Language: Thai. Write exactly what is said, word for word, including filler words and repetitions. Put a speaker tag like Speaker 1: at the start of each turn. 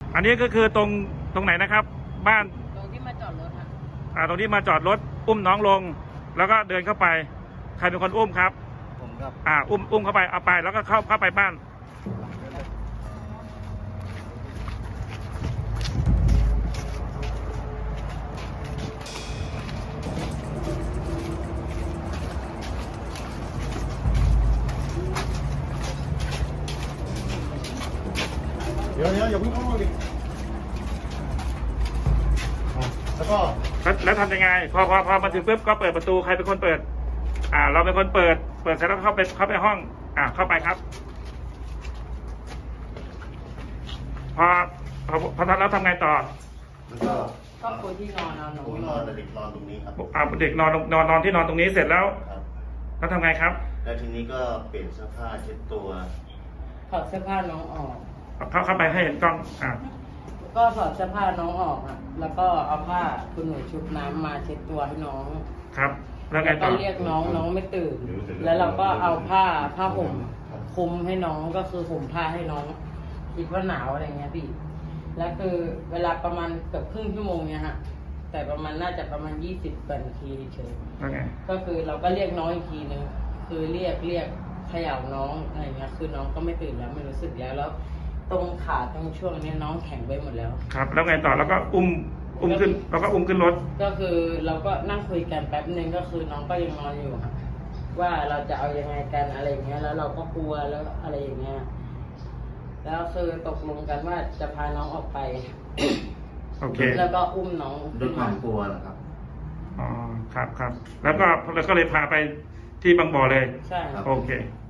Speaker 1: อันนี้ก็คือตรงตรงไหนนะครับบ้าน
Speaker 2: ตรงที่มาจอดรถค่ะ
Speaker 1: อ่าตรงที่มาจอดรถอุ้มน้องลงแล้วก็เดินเข้าไปใครเป็นคนอุ้มครับ
Speaker 3: ผมครับ
Speaker 1: อ่าอุ้มอุ้มเข้าไปเอาไปแล้วก็เข้าเข้าไปบ้าน
Speaker 3: เดี๋ยวเดี๋ยวอย่าเพิ่งเข้าห้องดิแล้วก็
Speaker 1: แล้วแล้วทำยังไงพอพอพอมาถึงปุ๊บก็เปิดประตูใครเป็นคนเปิดอ่าเราเป็นคนเปิดเปิดเสร็จแล้วเข้าไปเข้าไปห้องอ่าเข้าไปครับพอพอพอทำแล้วทำไงต่อ
Speaker 3: แล้วก็
Speaker 2: ก็ปูที่นอนเอาหนู
Speaker 3: ผมนอนแต่เด็กนอนตรงนี้ครับ
Speaker 1: อ่าเด็กนอนนอนนอนที่นอนตรงนี้เสร็จแล้ว
Speaker 3: ครับ
Speaker 1: แล้วทำไงครับ
Speaker 3: แล้วทีนี้ก็เปลี่ยนเสื้อผ้าเช็ดตัว
Speaker 2: ถอดเสื้อผ้าน้องออก
Speaker 1: เข้าเข้าไปให้เห็นกล้องอ่า
Speaker 2: ก็ถอดเสื้อผ้าน้องออกอ่ะแล้วก็เอาผ้าคุณหนูชุบน้ำมาเช็ดตัวให้น้อง
Speaker 1: ครับแล้วไงต่อ
Speaker 2: ก็เรียกน้องน้องไม่ตื่นแล้วเราก็เอาผ้าผ้าห่มคลุมให้น้องก็คือห่มผ้าให้น้องคิดว่าหนาวอะไรเงี้ยพี่แล้วคือเวลาประมาณเกือบครึ่งชั่วโมงเนี่ยฮะแต่ประมาณน่าจะประมาณยี่สิบนาทีเฉยก็คือเราก็เรียกน้องอีกทีนึงคือเรียกเรียกเขย่าน้องอะไรเงี้ยคือน้องก็ไม่ตื่นแล้วไม่รู้สึกแล้วแล้วตรงขาตรงช่วงนี้น้องแข็งไปหมดแล้ว
Speaker 1: ครับแล้วไงต่อแล้วก็อุ้มอุ้มขึ้นแล้วก็อุ้มขึ้นรถ
Speaker 2: ก็คือเราก็นั่งคุยกันแป๊บนึงก็คือน้องก็ยังนอนอยู่ค่ะว่าเราจะเอายังไงกันอะไรเงี้ยแล้วเราก็กลัวแล้วอะไรอย่างเงี้ยแล้วคือตกลงกันว่าจะพาน้องออกไป
Speaker 1: โอเค
Speaker 2: แล้วก็อุ้มน้อง
Speaker 3: ด้วยความกลัวเหรอครับ
Speaker 1: อ๋อครับครับแล้วก็แล้วก็เลยพาไปที่บางบ่อเลย
Speaker 2: ใช่
Speaker 1: โอเค